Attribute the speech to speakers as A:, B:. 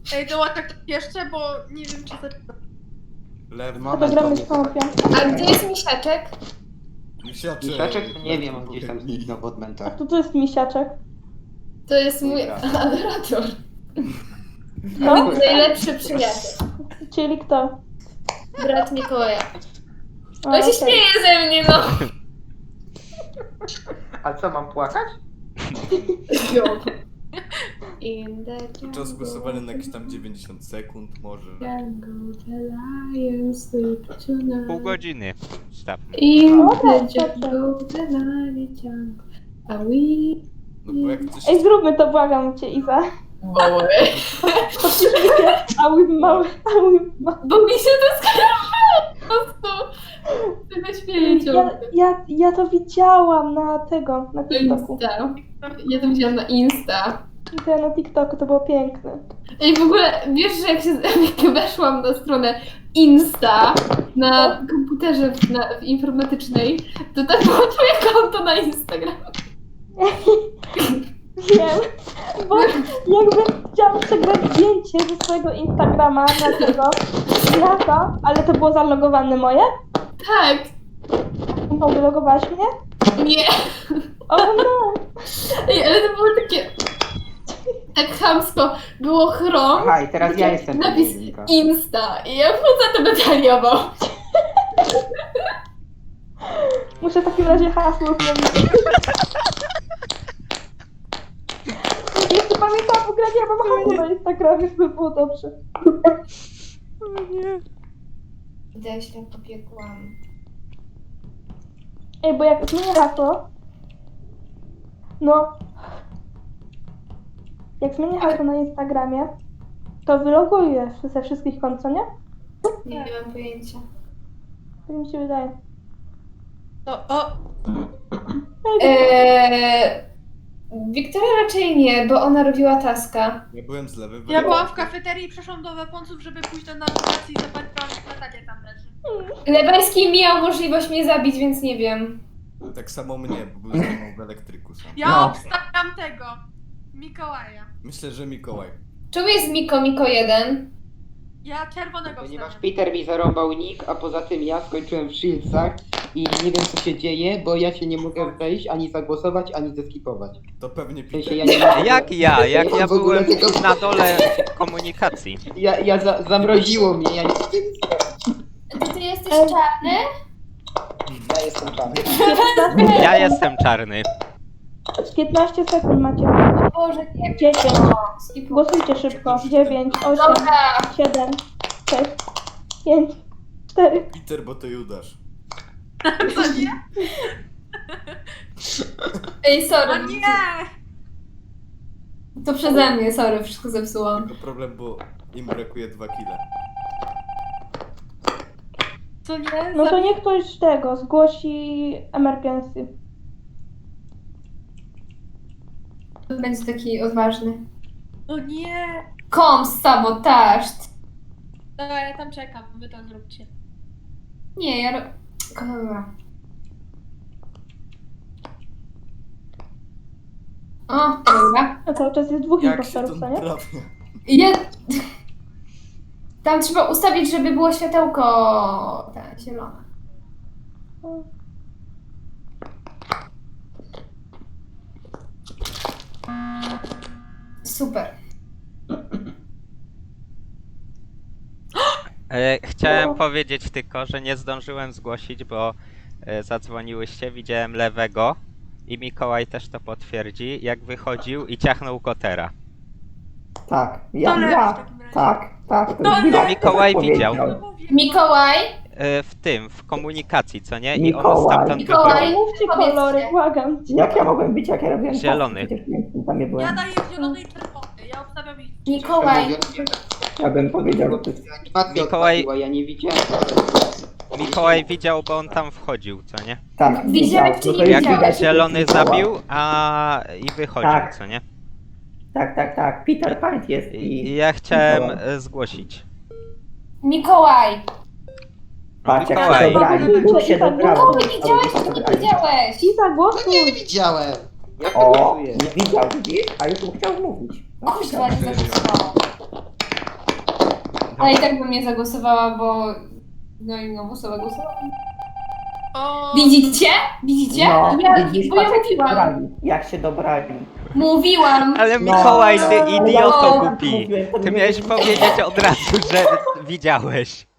A: Ej, dołączę ktoś jeszcze, bo nie wiem czy zaczynam.
B: Lewy
C: A to gramy z tą piątką.
D: A gdzie jest misiaczek?
B: Misiaczek.
E: Misiaczek to nie wiem, on gdzieś tam zniknął w
C: A
E: odmętach.
C: to jest misiaczek.
D: To jest mój
E: Dobra.
D: adorator.
C: No,
D: Najlepszy przyjaciel.
C: czyli kto?
D: Brat Mikołaja.
C: A,
D: On się
C: okej.
D: śmieje ze mnie, no.
E: A co, mam płakać?
D: In the
B: Czas głosowania na jakieś tam 90 sekund może.
D: jungle, the lion sleep tonight.
F: Pół godziny. Stop.
D: In
C: Dobra,
D: the jungle, the lion jungle. A we...
B: No bo jak coś...
C: Ej, zróbmy to, błagam cię, Iza.
D: Mały.
C: Podpiszmy a łym mały, a łym mały.
D: Bo mi się to skojarzyło po prostu. Tego śmieję ciągle.
C: Ja to widziałam na tego, na TikToku.
D: Insta. Ja to widziałam na Insta.
C: To ja na TikToku, to było piękne.
D: Ej, w ogóle wiesz, że jak weszłam na stronę Insta na komputerze w informatycznej, to tam było twoje konto na Instagram.
C: Wiem, bo jakby chciałam przegrać zdjęcie ze swojego Instagrama na tego, na to, ale to było zalogowane moje.
D: Tak.
C: No, wylogowałaś mnie?
D: Nie.
C: O no!
D: Ej, ale to było takie... Tak chamsko. Było Chrome.
E: Aha, i teraz ja jestem
D: Napis
E: pojedynka.
D: Insta. I ja wchodzę to detaliował.
C: Muszę w takim razie hasło zmienić. Jeszcze pamiętam, w ogóle nie mam hasła na Instagramie, żeby było dobrze.
D: Idę się pobiegłam.
C: Ej, bo jak zmienię hasło... No... Jak zmienię hasło na Instagramie, to wyloguję ze wszystkich kont, co nie?
D: Nie mam pojęcia.
C: Tak mi się wydaje.
A: O,
D: Wiktoria raczej nie, bo ona robiła taska.
B: Ja byłem z lewy.
A: ja byłam w kafeterii i przeszłam do weponców, żeby pójść do nawigacji i zobaczyłam, że na takie tam leży.
D: Lebański miał możliwość mnie zabić, więc nie wiem.
B: Tak samo mnie, bo był ze mną w elektryku sam.
A: Ja
E: No.
A: obstawiam tego. Mikołaja.
B: Myślę, że Mikołaj.
D: Czemu jest Miko 1?
A: Ja czerwonego
E: Ponieważ
A: obstawiam.
E: Peter mi zarąbał nick, a poza tym ja skończyłem w Shieldsach i nie wiem co się dzieje, bo ja się nie mogę wejść, ani zagłosować, ani zeskipować.
B: To pewnie
E: W sensie
B: Peter.
E: ja nie mogę...
F: Jak ja? Jak ja
E: w ogóle
F: byłem
E: tylko-
F: na dole komunikacji.
E: Zamroziło mnie, ja nie mogę nic zrobić.
D: Ty jesteś czarny?
E: Ja jestem czarny.
F: Ja jestem czarny.
C: 15 sekund macie.
D: Boże, nie.
C: 10.
D: Skip.
C: Głosujcie szybko. 9, 8,
D: Dobra.
C: 7, 6, 5, 4.
B: Peter, bo to Judasz.
A: Co nie?
D: Ej, sorry.
A: O nie!
D: To przeze mnie, sorry, wszystko zepsułam.
B: Tylko problem, bo im brakuje 2 kile.
A: Co nie?
C: No to niech ktoś tego zgłosi emergency.
D: Będzie taki odważny.
A: O nie!
D: Sabotaż.
A: Dobra, ja tam czekam, wy to zróbcie.
D: Nie, ja... Dobra. O, dobra.
C: A cały czas jest dwóch
B: Jak się to
C: impostorów, co nie?
B: naprawia?
D: Ja... Tam trzeba ustawić, żeby było światełko... Tak, zielone. Super.
F: Chciałem powiedzieć tylko, że nie zdążyłem zgłosić, bo zadzwoniłyście, widziałem lewego i Mikołaj też to potwierdzi, jak wychodził i ciachnął Kotera.
E: Tak,
A: To lewy w takim razie.
E: tak.
A: To lewy.
F: Mikołaj widział.
A: No mówię.
D: Mikołaj,
F: W komunikacji, co nie? I on
E: Mikołaj.
F: stamtąd
D: Mikołaj.
F: wychodził.
C: Mówcie
D: Powiedzcie.
C: kolory, błagam cię.
E: Jak ja mogłem być, jak ja robiłem
F: Zielony.
E: Przecież tam nie byłem.
A: Ja daję zielony i czerwony. Ja obstawiam ich.
D: Mikołaj.
E: Ja bym powiedział, że to jest
F: Mikołaj-
E: ja nie widziałem.
F: Mikołaj widział, bo on tam wchodził, co nie?
E: Tak,
D: Widziałeś, czy
E: no to
D: nie
E: jest
D: widziałeś?
E: widać, że to
F: Zielony
E: jest Mikołaj.
F: zabił, i wychodził,
E: Tak.
F: co nie?
E: Tak. Peter Pan jest
F: I
E: i...
F: ja chciałem
E: Mikołaj.
F: zgłosić.
D: Mikołaj.
E: Patrz, jak
F: Mikołaj.
E: się dobrali, dwóch się dobrało.
D: Kogo widziałeś, czy nie widziałeś?
C: I zagłosuj.
G: Nie widziałem.
E: O, nie widział, widzisz? A już mu chciał mówić.
D: Kuźwa, nie zapisało. Ale i tak bym nie zagłosowała, bo... No i inną osobę głosowałam.
A: O,
D: Widzicie? Widzicie?
G: No,
D: ja,
G: widzisz,
D: bo ja
G: patrz, jak się
D: mówiłam.
G: dobrali. Jak się dobrali.
D: Mówiłam.
F: Ale
G: No.
F: Mikołaj, ty idioto
D: No.
F: głupi. Ty miałeś powiedzieć od razu, że widziałeś.